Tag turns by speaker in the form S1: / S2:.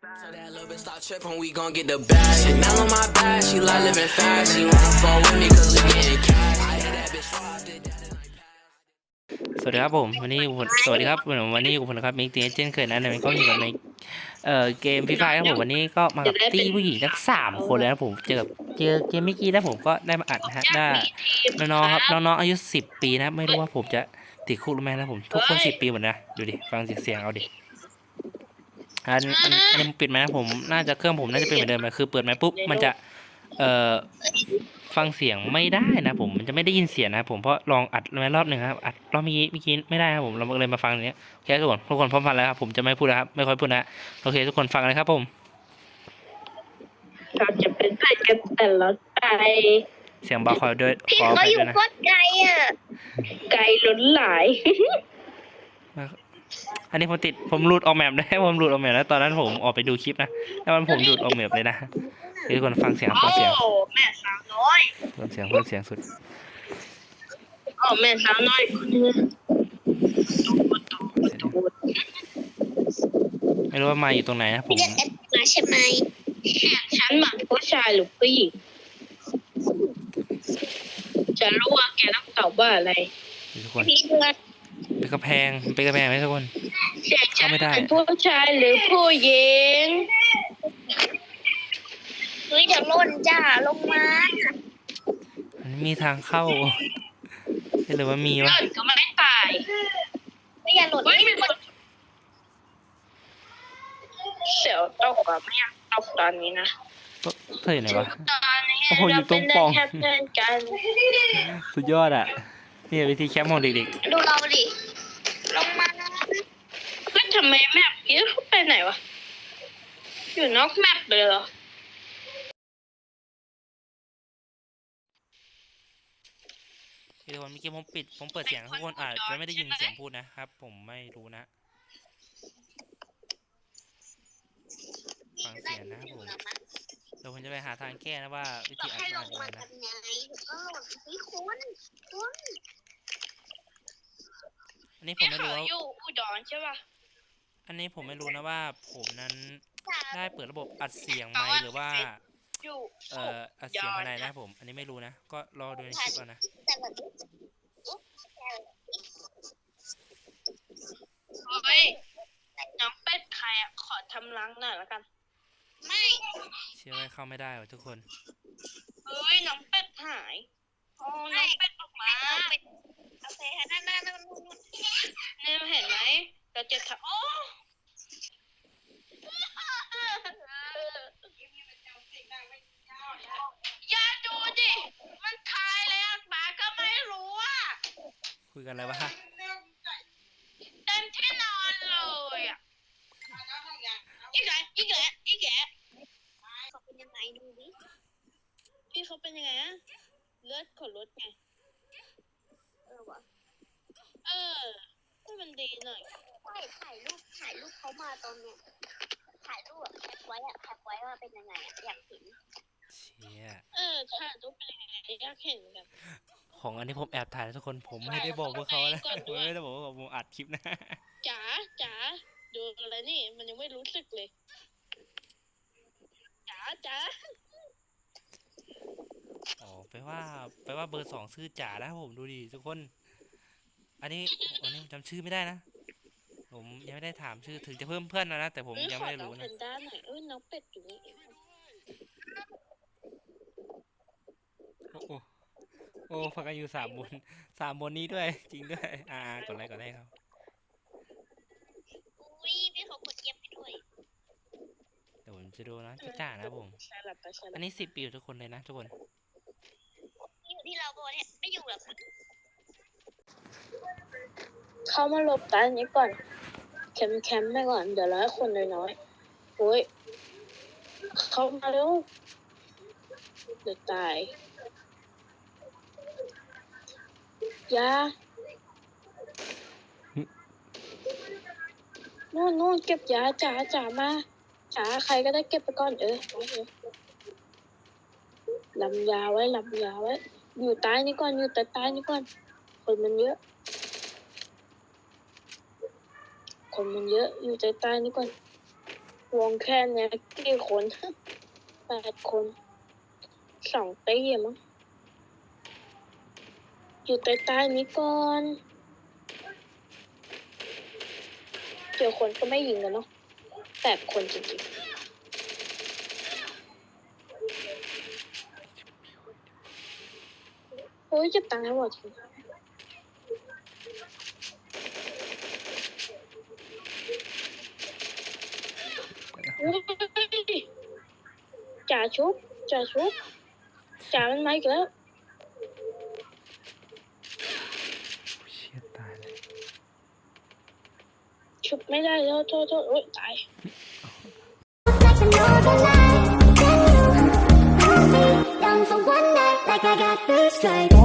S1: So that little bitch stop tripping, we gon' get the bag. Chanel on my back, she like living fast. She wanna fall with me cause we getting cash. I hit that bitch raw, did that in like past.
S2: สวัสดีครับผมวันนี้อยู่สวัสดีครับวันนี้อยู่ผมนะครับมิกตีเจนเคยนะมันก็อยู่กับในเกมฟรีไฟครับผมวันนี้ก็มากับตี้ผู้หญิงทั้ง3 คนเลยนะผมเจอเกมเมื่อกี้นะผมก็ได้มาอัดนะฮะได้น้องๆครับน้องๆอายุ10 ปีนะไม่รู้ว่าผมจะติดคุกหรือไม่นะผมทุกคน10 ปีหมดนะดูดิฟังเสียงเอาดิอันนี้ปิดไหมนะผมน่าจะเครื่องผมน่าจะเป็นเหมือนเดิมเลยคือเปิดไหมปุ๊บมันจะฟังเสียงไม่ได้นะผมมันจะไม่ได้ยินเสียงนะผมเพราะลองอัดมารอบหนึ่งครับอัดรอบเมื่อกี้ไม่ได้ครับผมเราเลยมาฟังอย่างเนี้ยโอเคทุกคนพร้อมฟังแล้วครับผมจะไม่พูดแล้วครับไม่ค่อยพูดนะโอเคทุกคนฟังเลยครับผม
S3: เราจะเป็นเพื่อนกันแต่ละไกล
S2: เสียงเบาคอยด้วยข
S4: พี่
S2: อ
S4: เขา
S2: ไป
S4: อยู่
S2: ด้วยนะ
S4: โคตรไกลอ่ะ
S3: ไกลล้นหลาย
S2: อันนี้ผมหลุดออกแมปได้ผมหลุดออกแมปแล้วตอนนั้นผมออกไปดูคลิปนะแล้วมันผมหลุดออกแมปเลยนะทุกคนฟังเสียง
S3: โอ้แม่สาวน้อย
S2: เพิ่มเสียงสุด
S3: โอ้แม่สาวน้อยคนนึง
S2: ไม่รู้ว่ามาอยู่ตรงไหนนะผม
S4: พี่เรียกแอดมาใช่ไหม
S3: ฉันหมายผู้ชายหรือผู้หญิงจะรู้ว่าแกต้องตอบว่าอะไร
S2: ทุกคน
S4: พี่เดือน
S2: เป็นกระแพงไหมทุกคน
S3: เสียฉัน
S2: ไม่ได้
S3: เป็นผู้ชายหรือผู้หญิง
S4: เฮ้ยเดี๋ยวหล่นจ้าลงมา
S2: มันมีทางเข้าหรือว่ามี
S3: หล่
S2: วะ
S3: นก็ไม่ตาย
S4: ไม่อย่าหล่น
S3: เฮ้ยมีคนเสียวตกอะไม่อยากตกตอนนี้นะ
S2: เธออยู่ไหนวะ
S3: ตอนนี้
S2: โอ้โหอยู่ตรงปล่อง
S3: เราเป็นได้แค่เพื่อนกัน
S2: สุดยอดอ่ะนี่วิธีแคมป์ของเด็ก
S4: ดูเราดิลงมา
S3: เฮ้ยทำไมแมปนี้เขาไปไหนวะ อยู่นอกแมปเลยเหรอ
S2: ๆทุกคนเมื่อกี้ผมเปิดเสียงทุกคนอาจจะไม่ได้ยินเสียงพูดนะครับ ผมไม่รู้นะฟังเสียงนะครับผมเดี๋ยวผมจะไปหาทางแก้นะว่าวิ
S4: บอ
S2: ธี
S4: ก
S2: อัด
S4: ให้ล
S2: มัน
S4: ง
S2: ยังไง
S4: มา
S2: นะ
S4: ทำไงก็หล่นเฮ้ยคุณ
S2: อันนี้ผมไม่รู้
S3: เขา
S2: ว่า
S3: อยู่อุดรใช่ป่ะ
S2: อันนี้ผมไม่รู้นะว่าผมนั้นได้เปิดระบบอัดเสียงไหมหรือว่า
S3: อยู่
S2: อัดเสียงภายในนะผมอันนี้ไม่รู้นะก็รอดูในคลิปเอานะ
S4: แต่แบบนี้
S3: เฮ้ยน้องเป็ดใครอ่ะ ขอทำรังหน่อยแล้วกัน
S4: ไม่
S2: เชื่อว่าเข้าไม่ได้ว่ะทุกคน
S3: เฮ้ยน้องเป็ดหายโอ้น้องเป็ดออกมา
S4: โอเคค่ะนั่น
S3: เนี่ยเห็นไหมเราจะทำโอ้อย่าดูดิ มันคายแล้วหมาก็ไม่รู้อ่ะ
S2: คุยกันอะไรวะ
S3: เต็มที่นอนเลยอ่ะอีกแก
S4: เขาเป็นยังไงดูดิ
S3: พี่เขาเป็นยังไงอะเลือดขนรถไง
S4: วะ
S3: ให้มันดีหน่อย
S4: ไม่ถ่ายรูปเขามาตอนเนี้ยถ่ายรูปแคปไว้ว่าเป็นยังไงอยากเห็น
S2: เชี่ย
S3: ถ่ายรูปเป็นยังไงอยากเห็นกัน
S2: ของอันนี้ผมแอบถ่ายนะทุกคนผมไม่ได้บอกพวกเขานะผมไม่ได้บอกว่าผมอัดคลิปนะ
S3: จ๋าดูอะไรนี่ มันยังไม่รู้สึกเลยจ๋า
S2: อ๋อแปลว่าเบอร์2ชื่อจ๋านะผมดูดิทุกคน อันนี้ผมจำชื่อไม่ได้นะผมยังไม่ได้ถามชื่อถึงจะเพิ่มเพื่อนนะแต่ผมยังไม่ได้รู้
S3: ขอน้อง
S2: นะ
S3: แพนด้าหน่อยน้องเป็ดอยู่นี่
S2: โอ้ฟังกันอยู่3 บนนี้ด้วยจริงด้วยกดไลค์ครับ
S4: อุ้ยพี่เขากดเย็บไปด้วย
S2: เดี๋ยวผมจะดูนะจ๋านะผมอันนี้10 ปีทุกคนเลยนะทุกคน
S4: อยู่ที่เราโบเนี่ยไม่อยู่หรอก
S3: เข้ามาหลบใต้นี้ก่อนแคมป์ไปก่อนเดี๋ยวร้อยคนน้อยๆโอ้ยเข้ามาเร็วเดี๋ยวตายยานู่นเก็บยาจ๋ามาจ๋าใครก็ได้เก็บไปก่อนลำยาไว้อยู่ใต้นี้ก่อนอยู่ใต้นี้ก่อนคนมันเยอะอยู่ใต้นี้ก่อนโอ้วงแค่เนี้ยกี่คน8 คน2 ตีมั้งอยู่ใต้ๆนี้ก่อนเจอคนก็ไม่ยิงกันเนาะ8 คนจริงๆโอ้ยเก็บตังค์ให้หมดจริงอุ๊ยจ่าชุบจ่ามันมาอีกแล้ว
S2: เชี่ยตายเลย
S3: ชุบไม่ได้แล้วโทษโอ๊ยตาย
S5: Like another night, then you hold me down for one night, like I got this right.